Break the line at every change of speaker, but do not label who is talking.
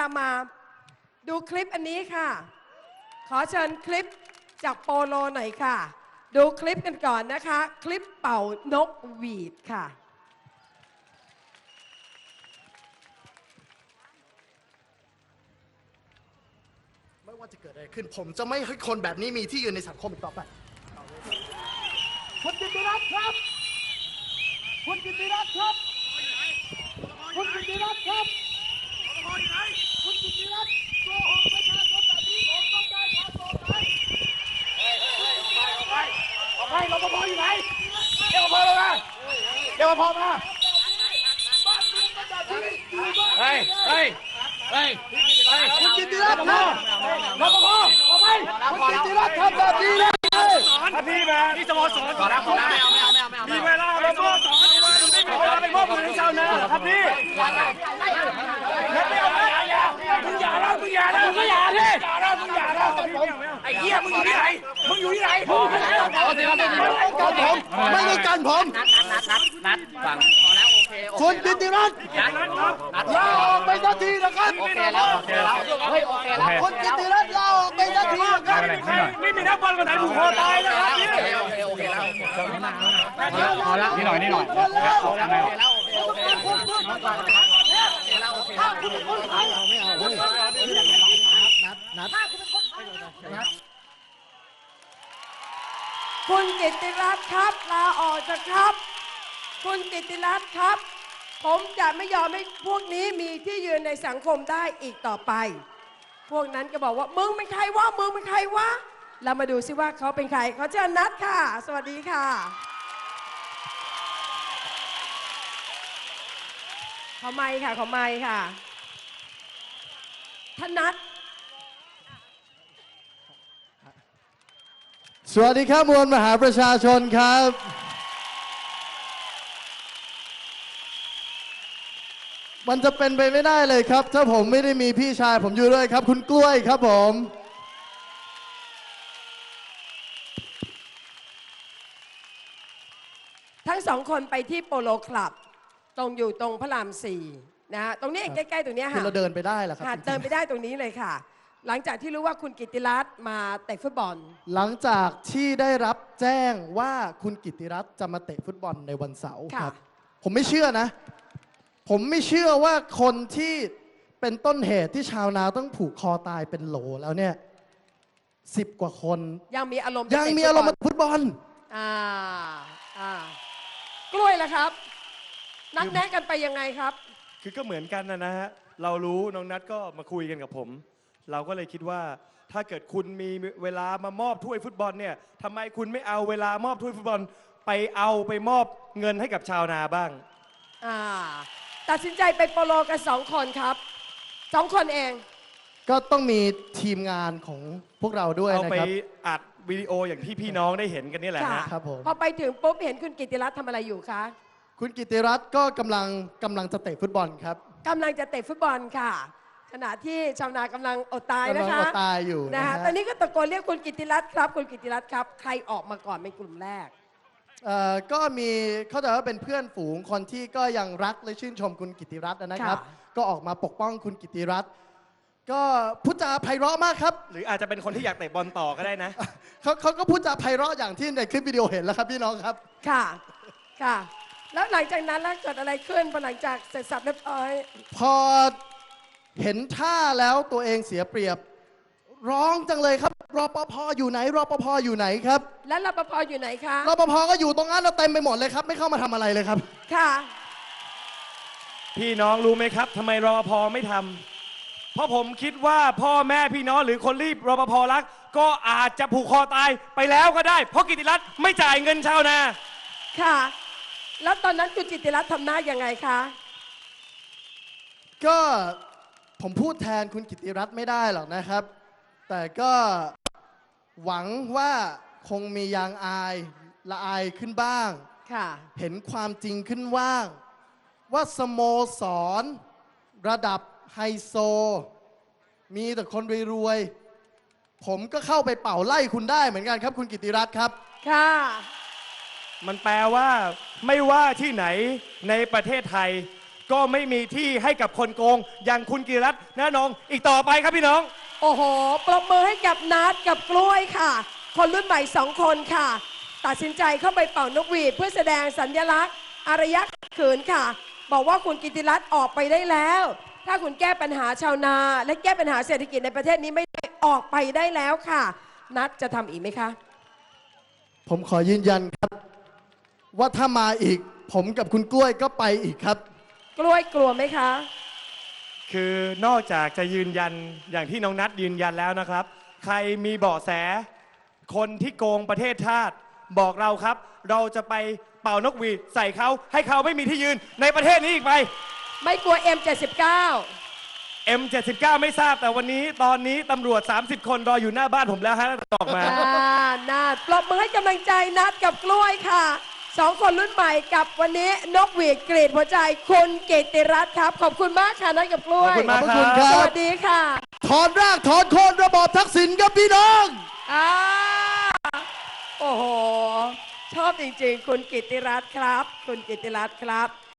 มาดูคลิปอันนี้ค่ะขอเชิญคลิปจากโปโลหน่อยค่ะดูคลิปกันก่อนนะคะคลิปเป่านกหวีดค่ะ
ไม่ว่าจะเกิดอะไรขึ้นผมจะไม่ให้คนแบบนี้มีที่ยืนในสังคมอีกต่อไปคุณกิติรัตน์ครับคุณกิติรัตน์ครับคุณกิติรัตน์ครับคุณกิติรัตน์โกหกประชาชนแบบนี้ผมต้องได้ความโปร่งใสออกไปรปภอยู่ไหนเรียกรปภมาเรียกรปภมาบ้านเมืองมันแบบนี้อยู่บ้านเฮ้ยคุณกิติรัตน์ครับรปภออกไปคุณกิติรัตน์ทำแบบนี้เลยถ้าพี่มาที่สโมสรขอแล้วมีเวลาเราก็สอนไม่มีเวลาไปมอบมือให้ชาวนาครับพี่ไม่เอามึงอย่าแล้วมึงอย่าแล้วมึงอย่าดิมึงอย่าแล้วไอ้เหี้ยมึงอยู่ที่ไหนมึงอยู่ที่ไหนผมไม่ต้องการผมนัดฟังพอแล้วโอเคคุณกิติรัตน์ลาออกไปสักทีนะครับโอเคแล้วเฮ้ยโอเคแล้วคุณกิติรัตน์ลาออกไปสักทีนะครับไม่มีนักบอลคนไหนผูกคอตายนะครับพี่โอเคแล้วพอแล้วนี่หน่อยโอเคแล้วถ้าคุณเป็นคนไทยไม่เอานัด
คุณกิตติรัตน์ครับลาออกจากครับคุณกิตติรัตน์ครับผมจะไม่ยอมให้พวกนี้มีที่ยืนในสังคมได้อีกต่อไปพวกนั้นก็บอกว่ามึงเป็นใครวะมึงเป็นใครวะเรามาดูซิว่าเขาเป็นใครขอเชิญนัทค่ะสวัสดีค่ะขอไมค์ค่ะขอไมค์ค่ะท่านนัท
สวัสดีครับมวลมหาประชาชนครับมันจะเป็นไปไม่ได้เลยครับถ้าผมไม่ได้มีพี่ชายผมอยู่ด้วยครับคุณกล้วยครับผม
ทั้งสองคนไปที่โปโลคลับตรงอยู่ตรงพระราม4นะฮะตรงนี้ใกล้ๆตรงนี้ค่ะ
เราเดินไปได้เหรอครับ
เดินไปได้ตรงนี้เลยค่ะหลังจากที่รู้ว่าคุณกิตติรัตน์มาเตะฟุตบอล
หลังจากที่ได้รับแจ้งว่าคุณกิตติรัตน์จะมาเตะฟุตบอลในวันเสาร์ครับผมไม่เชื่อนะผมไม่เชื่อว่าคนที่เป็นต้นเหตุที่ชาวนาต้องผูกคอตายเป็นโหลแล้วเนี่ย10 กว่าคน
ยังมีอารมณ์
มาฟุตบอล
กล้วยล่ะครับนัดแนะกันไปยังไงครับ
คือก็เหมือนกันนะฮะเรารู้น้องนัทก็มาคุยกันกับผมเราก็เลยคิดว่าถ้าเกิดคุณมีเวลามามอบถ้วยฟุตบอลเนี่ยทำไมคุณไม่เอาเวลามอบถ้วยฟุตบอลไปมอบเงินให้กับชาวนาบ้าง
ตัดสินใจไปโปโลกัน2 คนครับ2 คนเอง
ก็ต้องมีทีมงานของพวกเราด้วย
นะครับเอาไปอัดวิดีโออย่างที่พี่น้องได้เห็นกันนี่แหละ
ครับผม
พอไปถึงปุ๊บเห็นคุณกิตติรัตน์ทำอะไรอยู่คะ
คุณกิตติรัตน์ก็กำลังจะเตะฟุตบอลครับ
กำลังจะเตะฟุตบอลค่ะขณะที่ชาวนากำลังอดตายนะคะ
กำลังอดตายอยู่
นะฮะตอนนี้ก็ตะโกนเรียกคุณกิตติรัตน์ครับคุณกิตติรัตน์ครับใครออกมาก่อนเป็นกลุ่มแรก
ก็มีเข้าใจว่าเป็นเพื่อนฝูงคนที่ก็ยังรักและชื่นชมคุณกิตติรัตน์นะครับก็ออกมาปกป้องคุณกิตติรัตน์ก็พูดจาไพเราะมากครับ
หรืออาจจะเป็นคนที่อยากเตะบอลต่อก็ได้นะ
เขาก็พูดจาไพเราะอย่างที่ในคลิปวิดีโอเห็นแล้วครับพี่น้องครับ
ค่ะแล้วหลังจากนั้นเกิดอะไรขึ้นพอหลังจากเสร็จสับเรียบร้อย
พอเห็นท่าแล้วตัวเองเสียเปรียบร้องจังเลยครับรปภอยู่ไหนรปภอยู่ไหนครับ
และรปภอยู่ไหนคะ
รปภก็อยู่ตรงนั้นเราเต็มไปหมดเลยครับไม่เข้ามาทำอะไรเลยครับ
ค่ะ
พี่น้องรู้ไหมครับทำไมรปภไม่ทำเพราะผมคิดว่าพ่อแม่พี่น้องหรือคนรีบรปภรักก็อาจจะผูกคอตายไปแล้วก็ได้เพราะกิตติรัตน์ไม่จ่ายเงินชาวนา
ค่ะแล้วตอนนั้นคุณกิตติรัตน์ทำหน้ายังไงคะ
ก็ผมพูดแทนคุณกิตติรัตน์ไม่ได้หรอกนะครับแต่ก็หวังว่าคงมียางอายละอายขึ้นบ้างเห็นความจริงขึ้นว่างว่าสโมสรระดับไฮโซมีแต่คนรวยๆผมก็เข้าไปเป่าไล่คุณได้เหมือนกันครับคุณกิตติรัตน์ครับ
ค่ะ
มันแปลว่าไม่ว่าที่ไหนในประเทศไทยก็ไม่มีที่ให้กับคนโกง อย่างคุณกิติรัตน์ณนงอีกต่อไปครับพี่น้อง
โอ้โห ปรบมือให้กับนัดกับกล้วยค่ะ คนรุ่นใหม่2 คนค่ะ ตัดสินใจเข้าไปเป่านกหวีดเพื่อแสดงสัญลักษณ์อารยะขัดขืนค่ะ บอกว่าคุณกิติรัตน์ออกไปได้แล้ว ถ้าคุณแก้ปัญหาชาวนา และแก้ปัญหาเศรษฐกิจในประเทศนี้ไม่ได้ออกไปได้แล้วค่ะ นัดจะทำอีกไหมคะ
ผมขอยืนยันครับ ว่าถ้ามาอีก ผมกับคุณกล้วยก็ไปอีกครับ
กล้วยกลัวไหมคะ
คือนอกจากจะยืนยันอย่างที่น้องนัทยืนยันแล้วนะครับ ใครมีเบาะแส คนที่โกงประเทศชาติบอกเราครับ เราจะไปเป่านกหวีดใส่เขาให้เขาไม่มีที่ยืนในประเทศนี้อีกไป
ไม่กลัว M79
M79 ไม่ทราบแต่วันนี้ตอนนี้ตำรวจ 30 คนรออยู่หน้าบ้านผมแล้วฮะออกมา
นัดปรบมือให้กำลังใจนัดกับกล้วยค่ะ2 คนรุ่นใหม่กับวันนี้นกหวีดกรีดหัวใจคุณกิติรัตน์ครับ ขอบคุณมากค่ะนัดกับกล้วย
ขอบคุณมาก
ขอบคุณครับ
สวัสดีค่ะ
ถอนรากถอนโคนระบอบทักษิณครับพี่น้อง
โอ้โห ชอบจริงๆ คุณกิติรัตน์ครับ คุณกิติรัตน์ครับ